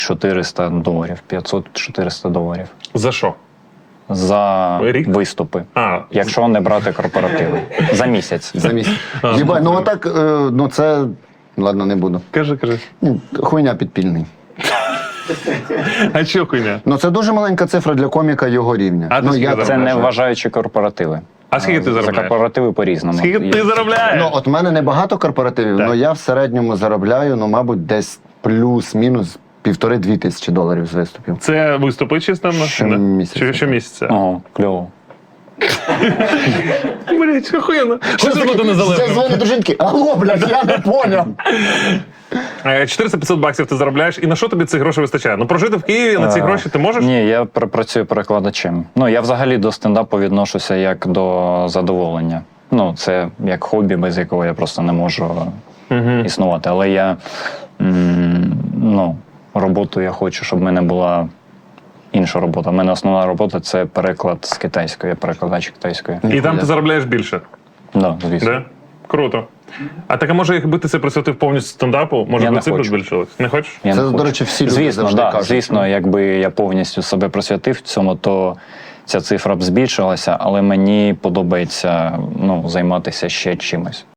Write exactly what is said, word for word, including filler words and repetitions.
чотириста доларів, п'ятсот-чотириста доларів. За що? За Рік? виступи. А, Якщо не брати корпоративи. За місяць. За місяць. Єбать, ну отак, е, ну це... Ладно, не буду. кажи, кажи. Ну, хуйня підпільний. А що хуйня? Ну це дуже маленька цифра для коміка його рівня. А ти ну, скільки я заробляєш? Це не вважаю. вважаючи корпоративи. А скільки ти За заробляєш? корпоративи по-різному. Скільки Є- ти заробляєш? Ну, от в мене небагато корпоративів, Так. але я в середньому заробляю, ну, мабуть, десь плюс-мінус півтори-дві тисячі доларів з виступів. Це виступи чисто? Щомісяця. Чи щомісяця? Ого, кльово. Блять, охуєнно. Що це буде Я незалежно? дзвоню до жінки, алло, блядь, я не поняв. чотириста-п'ятсот баксів ти заробляєш, і на що тобі цих грошей вистачає? Ну прожити в Києві на ці Е, гроші ти можеш? Ні, я пр- працюю перекладачем. Ну, я взагалі до стендапу відношуся як до задоволення. Ну, це як хобі, без якого я просто не можу Угу. існувати. Але я, м, ну, роботу я хочу, щоб в мене була інша робота. У мене основна робота – це переклад з китайської, я перекладач китайської. І там ти заробляєш більше. Да, звісно. Да? Круто. А так, а може, якби ти це присвятив повністю стендапу, може Я би не цифри хочу. збільшились? Не хочеш? Я Це, не до хочу. речі, всі люди звісно, завжди да, кажуть. звісно, якби я повністю себе присвятив цьому, то ця цифра б збільшилася, але мені подобається, ну, займатися ще чимось.